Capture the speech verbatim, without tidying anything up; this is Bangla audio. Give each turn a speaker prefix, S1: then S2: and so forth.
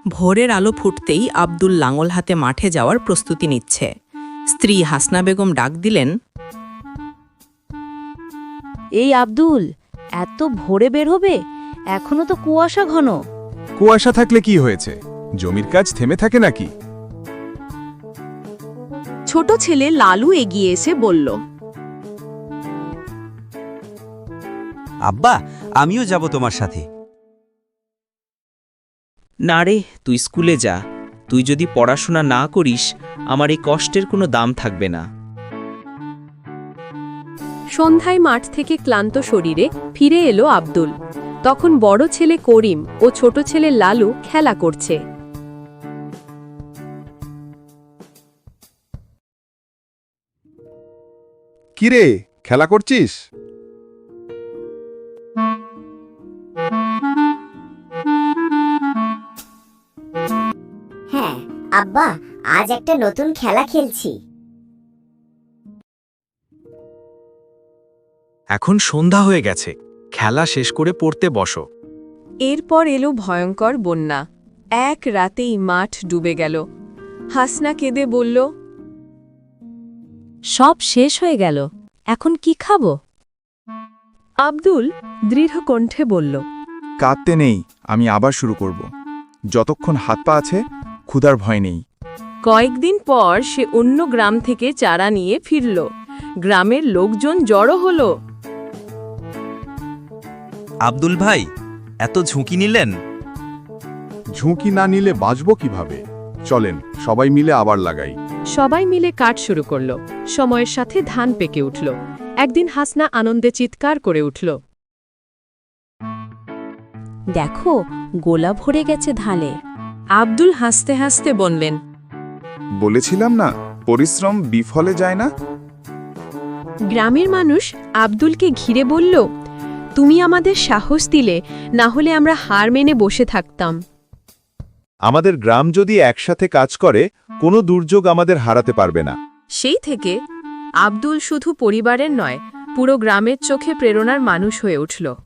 S1: ভোরের আলো ফুটতেই আব্দুল লাঙল হাতে মাঠে যাওয়ার প্রস্তুতি নিচ্ছে। স্ত্রী হাসনা বেগম ডাক দিলেন,
S2: এই আব্দুল, এত ভোরে বের হবে? এখনো তো কুয়াশা ঘন।
S3: কুয়াশা থাকলে কি হয়েছে? জমির কাজ থেমে থাকে নাকি?
S4: ছোট ছেলে লালু এগিয়ে এসে বলল,
S5: আব্বা, আমিও যাব তোমার সাথে।
S6: না রে, তুই স্কুলে যা। তুই যদি পড়াশোনা না করিস, আমার এই কষ্টের কোনো দাম থাকবে না।
S4: সন্ধ্যায় মাঠ থেকে ক্লান্ত শরীরে ফিরে এলো আব্দুল। তখন বড় ছেলে করিম ও ছোট ছেলে লালু খেলা করছে।
S3: কিরে, খেলা করছিস?
S7: হ্যাঁ আব্বা, আজ একটা নতুন খেলা খেলছি।
S8: এখন সন্ধ্যা হয়ে গেছে, খেলা শেষ করে পড়তে বসো।
S4: এরপর এলো ভয়ঙ্কর বন্যা। এক রাতেই মাঠ ডুবে গেল। হাসনা কেঁদে বলল,
S2: সব শেষ হয়ে গেল, এখন কি খাবো?
S4: আব্দুল দৃঢ় কণ্ঠে বলল,
S3: কাঁদতে নেই, আমি আবার শুরু করব। যতক্ষণ হাত পা আছে, ক্ষুধার ভয় নেই।
S4: কয়েকদিন পর সে অন্য গ্রাম থেকে চারা নিয়ে ফিরল। গ্রামের লোকজন জড়ো হলো।
S5: আব্দুল ভাই, এত ঝুঁকি নিলেন?
S3: ঝুঁকি না নিলে বাঁচব কিভাবে? চলেন সবাই মিলে আবার লাগাই।
S4: সবাই মিলে কাজ শুরু করল। সময়ের সাথে ধান পেকে উঠল। একদিন হাসনা আনন্দে চিৎকার করে উঠল,
S2: দেখো, গোলা ভরে গেছে ধানে।
S4: আব্দুল হাসতে হাসতে বললেন,
S3: বলেছিলাম না, পরিশ্রম বিফলে যায় না।
S4: গ্রামের মানুষ আব্দুলকে ঘিরে বলল, তুমি আমাদের সাহস দিলে, না হলে আমরা হার মেনে বসে থাকতাম।
S3: আমাদের গ্রাম যদি একসাথে কাজ করে, কোনো দুর্যোগ আমাদের হারাতে পারবে না।
S4: সেই থেকে আব্দুল শুধু পরিবারের নয়, পুরো গ্রামের চোখে প্রেরণার মানুষ হয়ে উঠল।